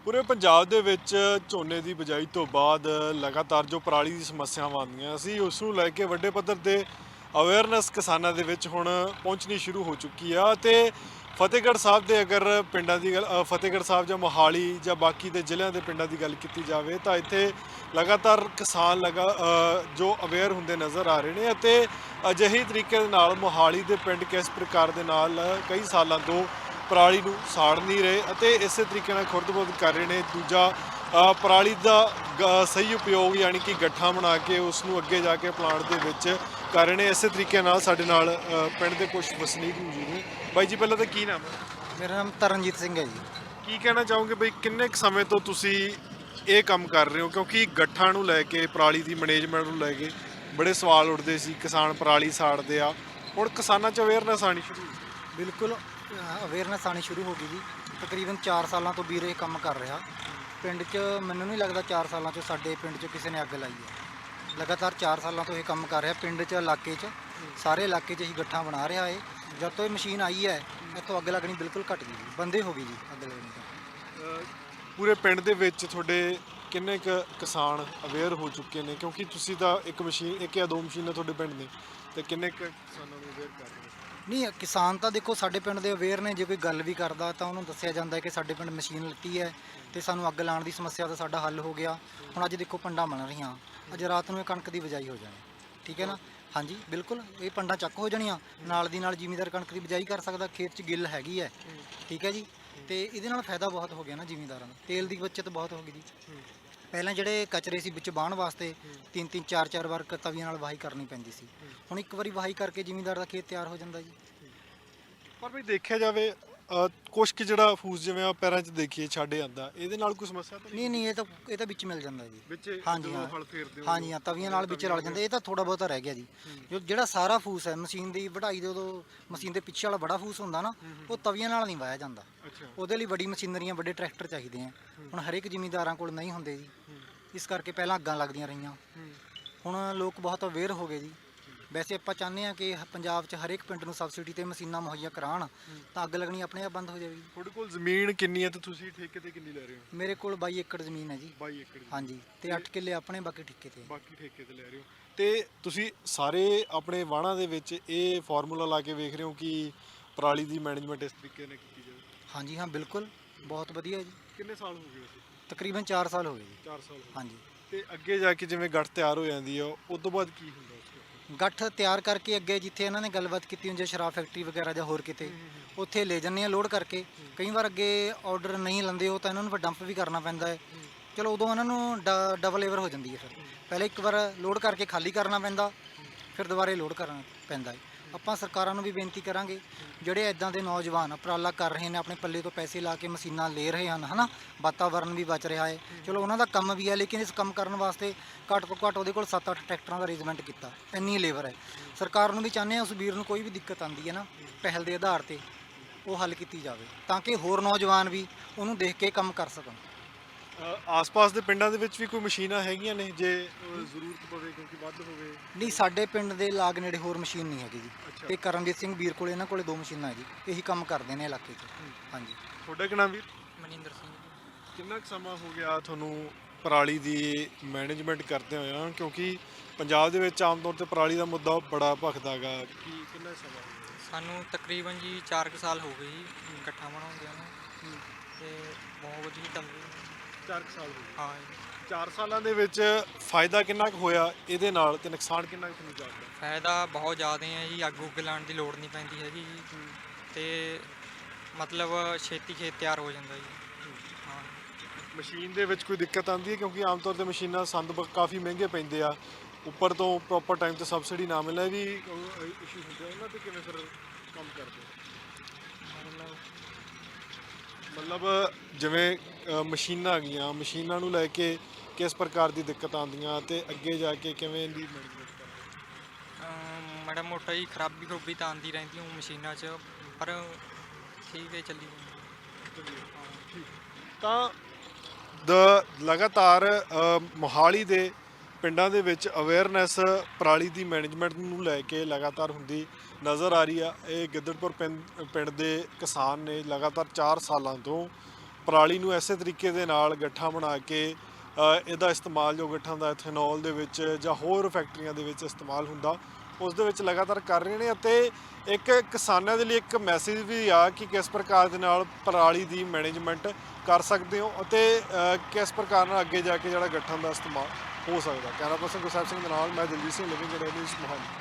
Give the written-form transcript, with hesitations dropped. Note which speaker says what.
Speaker 1: ਪੂਰੇ ਪੰਜਾਬ ਦੇ ਵਿੱਚ ਝੋਨੇ ਦੀ ਬਿਜਾਈ ਤੋਂ ਬਾਅਦ ਲਗਾਤਾਰ ਜੋ ਪਰਾਲੀ ਦੀ ਸਮੱਸਿਆਵਾਂ ਆਉਂਦੀਆਂ ਸੀ ਉਸ ਨੂੰ ਲੈ ਕੇ ਵੱਡੇ ਪੱਧਰ ਤੇ ਅਵੇਅਰਨੈਸ ਕਿਸਾਨਾਂ ਦੇ ਵਿੱਚ ਹੁਣ ਪਹੁੰਚਣੀ ਸ਼ੁਰੂ ਹੋ ਚੁੱਕੀ ਆ ਤੇ ਫਤਿਹਗੜ੍ਹ ਸਾਹਿਬ ਦੇ ਅਗਰ ਪਿੰਡਾਂ ਦੀ ਗੱਲ ਫਤਿਹਗੜ੍ਹ ਸਾਹਿਬ ਜਾਂ ਮੋਹਾਲੀ ਜਾਂ ਬਾਕੀ ਦੇ ਜ਼ਿਲ੍ਹਿਆਂ ਦੇ ਪਿੰਡਾਂ ਦੀ ਗੱਲ ਕੀਤੀ ਜਾਵੇ ਤਾਂ ਇੱਥੇ ਲਗਾਤਾਰ ਕਿਸਾਨ ਜੋ ਅਵੇਅਰ ਹੁੰਦੇ ਨਜ਼ਰ ਆ ਰਹੇ ਨੇ ਅਤੇ ਅਜਿਹੇ ਤਰੀਕੇ ਦੇ ਨਾਲ ਮੋਹਾਲੀ ਦੇ ਪਿੰਡ ਕਿਸ ਪ੍ਰਕਾਰ ਦੇ ਨਾਲ ਕਈ ਸਾਲਾਂ ਤੋਂ ਪਰਾਲੀ ਨੂੰ ਸਾੜ ਨਹੀਂ ਰਹੇ ਅਤੇ ਇਸੇ ਤਰੀਕੇ ਨਾਲ ਖੁਰਦ-ਬੁਰਦ ਕਰ ਰਹੇ ਨੇ। ਦੂਜਾ ਪਰਾਲੀ ਦਾ ਸਹੀ ਉਪਯੋਗ ਯਾਨੀ ਕਿ ਗੱਠਾਂ ਬਣਾ ਕੇ ਉਸ ਨੂੰ ਅੱਗੇ ਜਾ ਕੇ ਪਲਾਂਟ ਦੇ ਵਿੱਚ ਕਰ ਰਹੇ ਨੇ। ਇਸੇ ਤਰੀਕੇ ਨਾਲ ਸਾਡੇ ਨਾਲ ਪਿੰਡ ਦੇ ਕੁਝ ਵਸਨੀਕ ਮੌਜੂਦ ਨੇ। ਬਾਈ ਜੀ ਪਹਿਲਾਂ ਤਾਂ ਕੀ ਨਾਮ ਹੈ?
Speaker 2: ਮੇਰਾ ਨਾਮ ਤਰਨਜੀਤ ਸਿੰਘ ਹੈ ਜੀ।
Speaker 1: ਕੀ ਕਹਿਣਾ ਚਾਹੋਗੇ ਬਈ ਕਿੰਨੇ ਕੁ ਸਮੇਂ ਤੋਂ ਤੁਸੀਂ ਇਹ ਕੰਮ ਕਰ ਰਹੇ ਹੋ? ਕਿਉਂਕਿ ਗੱਠਾਂ ਨੂੰ ਲੈ ਕੇ ਪਰਾਲੀ ਦੀ ਮੈਨੇਜਮੈਂਟ ਨੂੰ ਲੈ ਕੇ ਬੜੇ ਸਵਾਲ ਉੱਠਦੇ ਸੀ, ਕਿਸਾਨ ਪਰਾਲੀ ਸਾੜਦੇ ਆ, ਹੁਣ ਕਿਸਾਨਾਂ 'ਚ ਅਵੇਅਰਨੈਸ ਆਉਣੀ ਸ਼ੁਰੂ ਹੋਈ।
Speaker 2: ਬਿਲਕੁਲ ਅਵੇਅਰਨੈਸ ਆਉਣੀ ਸ਼ੁਰੂ ਹੋ ਗਈ ਜੀ। ਤਕਰੀਬਨ 4 ਸਾਲਾਂ ਤੋਂ ਵੀਰ ਇਹ ਕੰਮ ਕਰ ਰਿਹਾ ਪਿੰਡ 'ਚ। ਮੈਨੂੰ ਨਹੀਂ ਲੱਗਦਾ 4 ਸਾਲਾਂ 'ਚ ਸਾਡੇ ਪਿੰਡ 'ਚ ਕਿਸੇ ਨੇ ਅੱਗ ਲਾਈ ਹੈ। ਲਗਾਤਾਰ 4 ਸਾਲਾਂ ਤੋਂ ਇਹ ਕੰਮ ਕਰ ਰਿਹਾ ਪਿੰਡ 'ਚ, ਇਲਾਕੇ 'ਚ, ਸਾਰੇ ਇਲਾਕੇ 'ਚ ਹੀ ਗੱਠਾਂ ਬਣਾ ਰਿਹਾ ਹੈ। ਜਦ ਤੋਂ ਇਹ ਮਸ਼ੀਨ ਆਈ ਹੈ ਇੱਥੋਂ ਅੱਗ ਲੱਗਣੀ ਬਿਲਕੁਲ ਘਟ ਗਈ ਜੀ, ਬੰਦੇ ਹੋ ਗਈ ਜੀ ਅੱਗ ਲੱਗਣੀ ਤਾਂ।
Speaker 1: ਪੂਰੇ ਪਿੰਡ ਦੇ ਵਿੱਚ ਤੁਹਾਡੇ ਕਿੰਨੇ ਕੁ ਕਿਸਾਨ ਅਵੇਅਰ ਹੋ ਚੁੱਕੇ ਨੇ? ਕਿਉਂਕਿ ਤੁਸੀਂ ਤਾਂ ਇੱਕ ਜਾਂ ਦੋ ਮਸ਼ੀਨਾਂ ਤੁਹਾਡੇ ਪਿੰਡ ਨੇ, ਤੇ ਕਿੰਨੇ ਕੁ ਕਿਸਾਨਾਂ ਨੂੰ ਅਵੇਅਰ ਕਰ ਰਹੇ ਹੋ?
Speaker 2: ਨਹੀਂ, ਕਿਸਾਨ ਤਾਂ ਦੇਖੋ ਸਾਡੇ ਪਿੰਡ ਦੇ ਅਵੇਅਰ ਨੇ। ਜੇ ਕੋਈ ਗੱਲ ਵੀ ਕਰਦਾ ਤਾਂ ਉਹਨੂੰ ਦੱਸਿਆ ਜਾਂਦਾ ਹੈ ਕਿ ਸਾਡੇ ਪਿੰਡ ਮਸ਼ੀਨ ਲੱਤੀ ਹੈ ਤੇ ਸਾਨੂੰ ਅੱਗ ਲਾਉਣ ਦੀ ਸਮੱਸਿਆ ਦਾ ਸਾਡਾ ਹੱਲ ਹੋ ਗਿਆ। ਹੁਣ ਅੱਜ ਦੇਖੋ ਪੰਡਾਂ ਬਣ ਰਹੀਆਂ, ਅੱਜ ਰਾਤ ਨੂੰ ਇਹ ਕਣਕ ਦੀ ਬਿਜਾਈ ਹੋ ਜਾਣੀ, ਠੀਕ ਹੈ ਨਾ। ਹਾਂਜੀ ਬਿਲਕੁਲ, ਇਹ ਪੰਡਾਂ ਚੱਕ ਹੋ ਜਾਣੀਆਂ, ਨਾਲ ਦੀ ਨਾਲ ਜ਼ਿਮੀਂਦਾਰ ਕਣਕ ਦੀ ਬਿਜਾਈ ਕਰ ਸਕਦਾ, ਖੇਤ 'ਚ ਗਿੱਲ ਹੈਗੀ ਹੈ, ਠੀਕ ਹੈ ਜੀ। ਤੇ ਇਹਦੇ ਨਾਲ ਫਾਇਦਾ ਬਹੁਤ ਹੋ ਗਿਆ ਨਾ ਜ਼ਿਮੀਂਦਾਰਾਂ ਨੂੰ, ਤੇਲ ਦੀ ਬੱਚਤ ਬਹੁਤ ਹੋ ਗਈ ਜੀ। ਪਹਿਲਾਂ ਜਿਹੜੇ ਕਚਰੇ ਸੀ ਵਿੱਚ ਵਾਹਣ ਵਾਸਤੇ 3-3 4-4 ਵਾਰ ਤਵੀਆਂ ਨਾਲ ਵਾਹੀ ਕਰਨੀ ਪੈਂਦੀ ਸੀ, ਹੁਣ ਇੱਕ ਵਾਰੀ ਵਾਹੀ ਕਰਕੇ ਜ਼ਿਮੀਂਦਾਰ ਦਾ ਖੇਤ ਤਿਆਰ ਹੋ ਜਾਂਦਾ ਜੀ।
Speaker 1: ਪਰ ਵੀ ਦੇਖਿਆ ਜਾਵੇ ਕੁਛ ਕਿ ਜਿਹੜਾ ਫੂਸ ਜਿਵੇਂ ਆ ਪੈਰਾਂ 'ਚ ਦੇਖੀਏ ਛੱਡ ਜਾਂਦਾ, ਇਹਦੇ ਨਾਲ ਕੋਈ ਸਮੱਸਿਆ ਤਾਂ
Speaker 2: ਨਹੀਂ ਨਹੀਂ, ਇਹ ਤਾਂ ਵਿੱਚ ਮਿਲ ਜਾਂਦਾ ਜੀ।
Speaker 1: ਵਿੱਚ
Speaker 2: ਹਾਂਜੀ
Speaker 1: ਜਦੋਂ
Speaker 2: ਹਾਂ,
Speaker 1: ਹਲ ਫੇਰਦੇ ਹੋ
Speaker 2: ਹਾਂਜੀ ਹਾਂ, ਤਵੀਆਂ ਨਾਲ ਵਿੱਚ ਰਲ ਜਾਂਦੇ। ਇਹ ਤਾਂ ਥੋੜਾ ਬਹੁਤਾ ਰਹਿ ਗਿਆ ਜੀ। ਜਿਹੜਾ ਸਾਰਾ ਫੂਸ ਹੈ ਮਸ਼ੀਨ ਦੀ ਵਢਾਈ ਦੇ, ਉਦੋਂ ਮਸ਼ੀਨ ਦੇ ਪਿੱਛੇ ਵਾਲਾ ਬੜਾ ਫੂਸ ਹੁੰਦਾ ਨਾ, ਉਹ ਤਵੀਆਂ ਨਾਲ ਨਹੀਂ ਵਾਹਿਆ ਜਾਂਦਾ।
Speaker 1: ਅੱਛਾ,
Speaker 2: ਉਹਦੇ ਲਈ ਵੱਡੀ ਮਸ਼ੀਨਰੀਆਂ, ਵੱਡੇ ਟਰੈਕਟਰ ਚਾਹੀਦੇ ਆ। ਹੁਣ ਹਰੇਕ ਜ਼ਿਮੀਂਦਾਰਾਂ ਕੋਲ ਨਹੀਂ ਹੁੰਦੇ ਜੀ, ਇਸ ਕਰਕੇ ਪਹਿਲਾਂ ਅੱਗਾਂ ਲੱਗਦੀਆਂ ਰਹੀਆਂ। ਹੁਣ ਲੋਕ ਬਹੁਤ ਅਵੇਅਰ ਹੋ ਗਏ ਜੀ। ਵੈਸੇ ਆਪਾਂ ਚਾਹੁੰਦੇ ਹਾਂ ਕਿ ਪੰਜਾਬ 'ਚ ਹਰੇਕ ਪਿੰਡ ਨੂੰ ਸਬਸਿਡੀ ਤੇ ਮਸ਼ੀਨਾਂ ਮੁਹੱਈਆ ਕਰਾਉਣ ਤਾਂ ਅੱਗ ਲੱਗਣੀ ਆਪਣੇ ਆਪ ਬੰਦ ਹੋ ਜਾਵੇਗੀ।
Speaker 1: ਤੁਹਾਡੇ ਕੋਲ ਜ਼ਮੀਨ ਕਿੰਨੀ ਹੈ ਤੇ ਤੁਸੀਂ ਠੇਕੇ ਤੇ ਕਿੰਨੀ ਲੈ ਰਹੇ ਹੋ?
Speaker 2: ਮੇਰੇ ਕੋਲ 22 ਏਕੜ ਜ਼ਮੀਨ ਹੈ ਜੀ।
Speaker 1: 22 ਏਕੜ
Speaker 2: ਹਾਂਜੀ, ਤੇ 8 ਕਿੱਲੇ ਆਪਣੇ, ਬਾਕੀ ਠੇਕੇ ਤੇ।
Speaker 1: ਬਾਕੀ ਠੇਕੇ ਤੇ ਲੈ ਰਹੇ ਹੋ ਤੇ ਤੁਸੀਂ ਸਾਰੇ ਆਪਣੇ ਵਾਹਣਾਂ ਦੇ ਵਿੱਚ ਇਹ ਫਾਰਮੂਲਾ ਲਾ ਕੇ ਵੇਖ ਰਹੇ ਹੋ ਕਿ ਪਰਾਲੀ ਦੀ ਮੈਨੇਜਮੈਂਟ ਇਸ ਤਰੀਕੇ ਨਾਲ ਕੀਤੀ ਜਾਵੇ?
Speaker 2: ਹਾਂਜੀ ਹਾਂ ਬਿਲਕੁਲ, ਬਹੁਤ ਵਧੀਆ ਜੀ।
Speaker 1: ਕਿੰਨੇ ਸਾਲ ਹੋ ਗਏ ਵੈਸੇ?
Speaker 2: ਤਕਰੀਬਨ 4 ਸਾਲ ਹੋ ਗਏ ਜੀ।
Speaker 1: 4 ਸਾਲ ਹੋ ਗਏ।
Speaker 2: ਹਾਂਜੀ,
Speaker 1: ਤੇ ਅੱਗੇ ਜਾ ਕੇ ਜਿਵੇਂ ਗੱਠ ਤਿਆਰ ਹੋ ਜਾਂਦੀ ਆ ਉਸ ਤੋਂ ਬਾਅਦ ਕੀ ਹੁੰਦਾ?
Speaker 2: ਗੱਠ ਤਿਆਰ ਕਰਕੇ ਅੱਗੇ ਜਿੱਥੇ ਇਹਨਾਂ ਨੇ ਗੱਲਬਾਤ ਕੀਤੀ ਹੁੰਦੀ ਹੈ, ਸ਼ਰਾਬ ਫੈਕਟਰੀ ਵਗੈਰਾ ਜਾਂ ਹੋਰ ਕਿਤੇ, ਉੱਥੇ ਲੈ ਜਾਂਦੇ ਆ ਲੋਡ ਕਰਕੇ। ਕਈ ਵਾਰ ਅੱਗੇ ਆਰਡਰ ਨਹੀਂ ਲੈਂਦੇ ਉਹ ਤਾਂ ਇਹਨਾਂ ਨੂੰ ਫਿਰ ਡੰਪ ਵੀ ਕਰਨਾ ਪੈਂਦਾ ਹੈ। ਚਲੋ ਉਦੋਂ ਇਹਨਾਂ ਨੂੰ ਡਬਲ ਲੇਬਰ ਹੋ ਜਾਂਦੀ ਹੈ। ਫਿਰ ਪਹਿਲੇ ਇੱਕ ਵਾਰ ਲੋਡ ਕਰਕੇ ਖਾਲੀ ਕਰਨਾ ਪੈਂਦਾ, ਫਿਰ ਦੁਬਾਰੇ ਲੋਡ ਕਰਨਾ ਪੈਂਦਾ ਹੈ। ਆਪਾਂ ਸਰਕਾਰਾਂ ਨੂੰ ਵੀ ਬੇਨਤੀ ਕਰਾਂਗੇ, ਜਿਹੜੇ ਇੱਦਾਂ ਦੇ ਨੌਜਵਾਨ ਉਪਰਾਲਾ ਕਰ ਰਹੇ ਨੇ, ਆਪਣੇ ਪੱਲੇ ਤੋਂ ਪੈਸੇ ਲਾ ਕੇ ਮਸ਼ੀਨਾਂ ਲੈ ਰਹੇ ਹਨ, ਹੈ ਨਾ, ਵਾਤਾਵਰਨ ਵੀ ਬਚ ਰਿਹਾ ਹੈ। ਚਲੋ ਉਹਨਾਂ ਦਾ ਕੰਮ ਵੀ ਹੈ, ਲੇਕਿਨ ਇਸ ਕੰਮ ਕਰਨ ਵਾਸਤੇ ਘੱਟ ਤੋਂ ਘੱਟ ਉਹਦੇ ਕੋਲ 7-8 ਟਰੈਕਟਰਾਂ ਦਾ ਅਰੇਂਜਮੈਂਟ ਕੀਤਾ, ਇੰਨੀ ਲੇਬਰ ਹੈ। ਸਰਕਾਰ ਨੂੰ ਵੀ ਚਾਹੁੰਦੇ ਹਾਂ ਉਸ ਵੀਰ ਨੂੰ ਕੋਈ ਵੀ ਦਿੱਕਤ ਆਉਂਦੀ ਹੈ ਨਾ, ਪਹਿਲ ਦੇ ਆਧਾਰ 'ਤੇ ਉਹ ਹੱਲ ਕੀਤੀ ਜਾਵੇ ਤਾਂ ਕਿ ਹੋਰ ਨੌਜਵਾਨ ਵੀ ਉਹਨੂੰ ਦੇਖ ਕੇ ਕੰਮ ਕਰ ਸਕਣ।
Speaker 1: ਆਸ-ਪਾਸ ਦੇ ਪਿੰਡਾਂ ਦੇ ਵਿੱਚ ਵੀ ਕੋਈ ਮਸ਼ੀਨਾਂ ਹੈਗੀਆਂ ਨੇ ਜੇ ਜ਼ਰੂਰਤ ਪਵੇ, ਕਿਉਂਕਿ ਵੱਧ ਹੋਵੇ?
Speaker 2: ਨਹੀਂ, ਸਾਡੇ ਪਿੰਡ ਦੇ ਲਾਗ ਨੇੜੇ ਹੋਰ ਮਸ਼ੀਨ ਨਹੀਂ ਹੈਗੀ ਜੀ।
Speaker 1: ਅੱਛਾ।
Speaker 2: ਤੇ ਕਰਮਜੀਤ ਸਿੰਘ ਵੀਰ ਕੋਲ, ਇਹਨਾਂ ਕੋਲੇ 2 ਮਸ਼ੀਨਾਂ ਹੈ ਜੀ, ਇਹੀ ਕੰਮ ਕਰਦੇ ਨੇ ਇਲਾਕੇ 'ਚ। ਹਾਂਜੀ।
Speaker 1: ਤੁਹਾਡਾ ਕੀ ਨਾਮ ਵੀਰ?
Speaker 2: ਮਨਿੰਦਰ ਸਿੰਘ।
Speaker 1: ਕਿੰਨਾ ਕੁ ਸਮਾਂ ਹੋ ਗਿਆ ਤੁਹਾਨੂੰ ਪਰਾਲੀ ਦੀ ਮੈਨੇਜਮੈਂਟ ਕਰਦੇ ਹੋਇਆ? ਕਿਉਂਕਿ ਪੰਜਾਬ ਦੇ ਵਿੱਚ ਆਮ ਤੌਰ ਤੇ ਪਰਾਲੀ ਦਾ ਮੁੱਦਾ ਬੜਾ ਭਖਦਾ ਗਾ, ਕਿੰਨਾ ਸਮਾਂ ਹੋ ਗਿਆ?
Speaker 3: ਸਾਨੂੰ ਤਕਰੀਬਨ ਜੀ 4 ਕੁ ਸਾਲ ਹੋ ਗਏ ਜੀ ਇਕੱਠਾ ਬਣਾਉਂਦਿਆਂ ਨੂੰ, ਤੇ ਬਹੁਤ ਵਧੀਆ ਚੱਲ ਰਹੀ ਹੈ।
Speaker 1: 4 ਸਾਲ ਹੋ ਗਏ।
Speaker 3: ਹਾਂ ਜੀ।
Speaker 1: 4 ਸਾਲਾਂ ਦੇ ਵਿੱਚ ਫਾਇਦਾ ਕਿੰਨਾ ਕੁ ਹੋਇਆ ਇਹਦੇ ਨਾਲ ਤੇ ਨੁਕਸਾਨ ਕਿੰਨਾ ਕੁ ਤੁਹਾਨੂੰ ਜਾਪਦਾ?
Speaker 3: ਫਾਇਦਾ ਬਹੁਤ ਜ਼ਿਆਦਾ ਹੈ ਜੀ, ਅੱਗ ਉੱਗ ਲਾਉਣ ਦੀ ਲੋੜ ਨਹੀਂ ਪੈਂਦੀ ਹੈਗੀ ਜੀ, ਤੇ ਮਤਲਬ ਛੇਤੀ ਖੇਤ ਤਿਆਰ ਹੋ ਜਾਂਦਾ ਜੀ। ਹਾਂ।
Speaker 1: ਮਸ਼ੀਨ ਦੇ ਵਿੱਚ ਕੋਈ ਦਿੱਕਤ ਆਉਂਦੀ ਹੈ? ਕਿਉਂਕਿ ਆਮ ਤੌਰ ਤੇ ਮਸ਼ੀਨਾਂ ਕਾਫੀ ਮਹਿੰਗੇ ਪੈਂਦੇ ਆ, ਉੱਪਰ ਤੋਂ ਪ੍ਰੋਪਰ ਟਾਈਮ ਤੇ ਸਬਸਿਡੀ ਨਾ ਮਿਲਣਾ ਵੀ ਇਸ਼ੂ ਹੁੰਦਾ, ਉਹਨਾਂ ਤੇ ਕਿਵੇਂ ਫਿਰ ਕੰਮ ਕਰਦੇ? ਮਤਲਬ ਜਿਵੇਂ ਮਸ਼ੀਨਾਂ ਆ ਗਈਆਂ, ਮਸ਼ੀਨਾਂ ਨੂੰ ਲੈ ਕੇ ਕਿਸ ਪ੍ਰਕਾਰ ਦੀ ਦਿੱਕਤ ਆਉਂਦੀਆਂ ਤੇ ਅੱਗੇ ਜਾ ਕੇ ਕਿਵੇਂ ਦੀ ਮੈਨੇਜਮੈਂਟ ਕਰਦੇ?
Speaker 3: ਮਾੜਾ ਮੋਟਾ ਜੀ ਖਰਾਬੀ ਖਰੂਬੀ ਤਾਂ ਆਉਂਦੀ ਰਹਿੰਦੀ ਉਹ ਮਸ਼ੀਨਾਂ 'ਚ, ਪਰ ਠੀਕ ਹੈ, ਚੱਲੀ ਜਾਂਦੀ।
Speaker 1: ਤਾਂ ਲਗਾਤਾਰ ਮੋਹਾਲੀ ਦੇ ਪਿੰਡਾਂ ਦੇ ਵਿੱਚ ਅਵੇਅਰਨੈਸ ਪਰਾਲੀ ਦੀ ਮੈਨੇਜਮੈਂਟ ਨੂੰ ਲੈ ਕੇ ਲਗਾਤਾਰ ਹੁੰਦੀ ਨਜ਼ਰ ਆ ਰਹੀ ਆ। ਇਹ ਗਿੱਦੜਪੁਰ ਪਿੰਡ ਦੇ ਕਿਸਾਨ ਨੇ ਲਗਾਤਾਰ 4 ਸਾਲਾਂ ਤੋਂ ਪਰਾਲੀ ਨੂੰ ਐਸੇ ਤਰੀਕੇ ਦੇ ਨਾਲ ਗੱਠਾਂ ਬਣਾ ਕੇ ਇਹਦਾ ਇਸਤੇਮਾਲ ਜੋ ਗੱਠਾਂ ਦਾ ਇਥੇਨੋਲ ਦੇ ਵਿੱਚ ਜਾਂ ਹੋਰ ਫੈਕਟਰੀਆਂ ਦੇ ਵਿੱਚ ਇਸਤੇਮਾਲ ਹੁੰਦਾ ਉਸ ਦੇ ਵਿੱਚ ਲਗਾਤਾਰ ਕਰ ਰਹੇ ਨੇ। ਅਤੇ ਇੱਕ ਕਿਸਾਨਾਂ ਦੇ ਲਈ ਇੱਕ ਮੈਸੇਜ ਵੀ ਆ ਕਿ ਕਿਸ ਪ੍ਰਕਾਰ ਦੇ ਨਾਲ ਪਰਾਲੀ ਦੀ ਮੈਨੇਜਮੈਂਟ ਕਰ ਸਕਦੇ ਹੋ ਅਤੇ ਕਿਸ ਪ੍ਰਕਾਰ ਨਾਲ ਅੱਗੇ ਜਾ ਕੇ ਜਿਹੜਾ ਗੱਠਾਂ ਦਾ ਇਸਤੇਮਾਲ ਹੋ ਸਕਦਾ। ਕੈਮਰਾ ਪਰਸਨ ਗੁਰਸਾਹਿਬ ਸਿੰਘ ਦੇ ਨਾਲ ਮੈਂ ਦਲਜੀਤ ਸਿੰਘ ਲਿਵਿੰਗ ਨਿਊਜ਼ ਮੋਹਾਲੀ।